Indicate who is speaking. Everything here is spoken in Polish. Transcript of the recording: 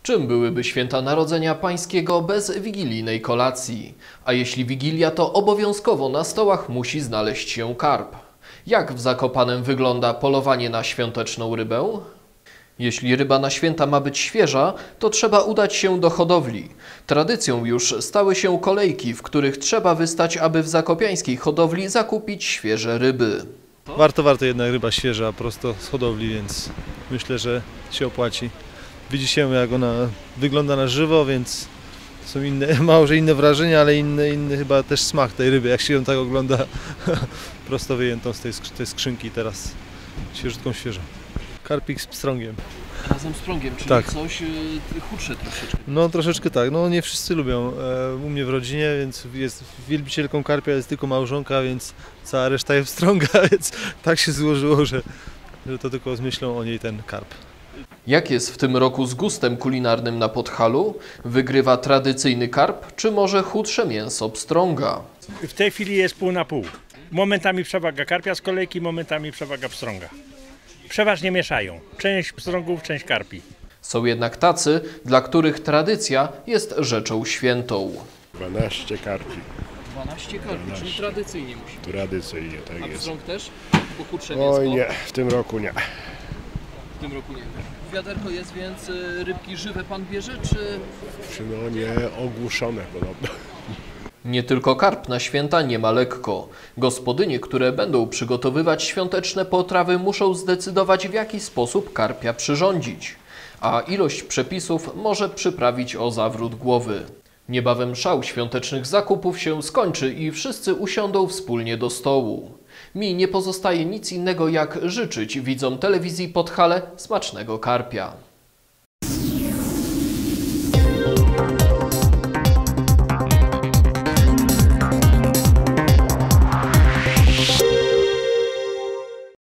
Speaker 1: Czym byłyby święta Narodzenia Pańskiego bez wigilijnej kolacji? A jeśli Wigilia, to obowiązkowo na stołach musi znaleźć się karp. Jak w Zakopanem wygląda polowanie na świąteczną rybę? Jeśli ryba na święta ma być świeża, to trzeba udać się do hodowli. Tradycją już stały się kolejki, w których trzeba wystać, aby w zakopiańskiej hodowli zakupić świeże ryby.
Speaker 2: Warto jednak ryba świeża, prosto z hodowli, więc myślę, że się opłaci. Widzi się, jak ona wygląda na żywo, więc są może inne wrażenia, ale inny chyba też smak tej ryby, jak się ją tak ogląda prosto wyjętą z tej skrzynki teraz, świeżutką świeżo. Karpik z pstrągiem.
Speaker 1: Razem z prągiem, czyli
Speaker 2: tak.
Speaker 1: Coś chudsze troszeczkę.
Speaker 2: No troszeczkę tak, no nie wszyscy lubią. U mnie w rodzinie, więc jest wielbicielką karpia, jest tylko małżonka, więc cała reszta jest pstrąga, więc tak się złożyło, że to tylko z myślą o niej ten karp.
Speaker 1: Jak jest w tym roku z gustem kulinarnym na Podhalu? Wygrywa tradycyjny karp, czy może chudsze mięso pstrąga?
Speaker 3: W tej chwili jest pół na pół. Momentami przewaga karpia z kolejki, momentami przewaga pstrąga. Przeważnie mieszają. Część pstrągów, część karpi.
Speaker 1: Są jednak tacy, dla których tradycja jest rzeczą świętą.
Speaker 4: 12 karpi.
Speaker 1: 12 karpi, czyli tradycyjnie musi.
Speaker 4: Tradycyjnie, tak
Speaker 1: A
Speaker 4: jest.
Speaker 1: pstrąg też? Bo chudsze mięsko?
Speaker 4: Oj nie, w tym roku nie.
Speaker 1: W tym roku nie. Wiaderko jest, więc rybki żywe pan bierze, czy...
Speaker 4: No nie ogłuszone podobno.
Speaker 1: Nie tylko karp na święta nie ma lekko. Gospodynie, które będą przygotowywać świąteczne potrawy, muszą zdecydować, w jaki sposób karpia przyrządzić. A ilość przepisów może przyprawić o zawrót głowy. Niebawem szał świątecznych zakupów się skończy i wszyscy usiądą wspólnie do stołu. Mi nie pozostaje nic innego, jak życzyć widzom telewizji Podhale smacznego karpia.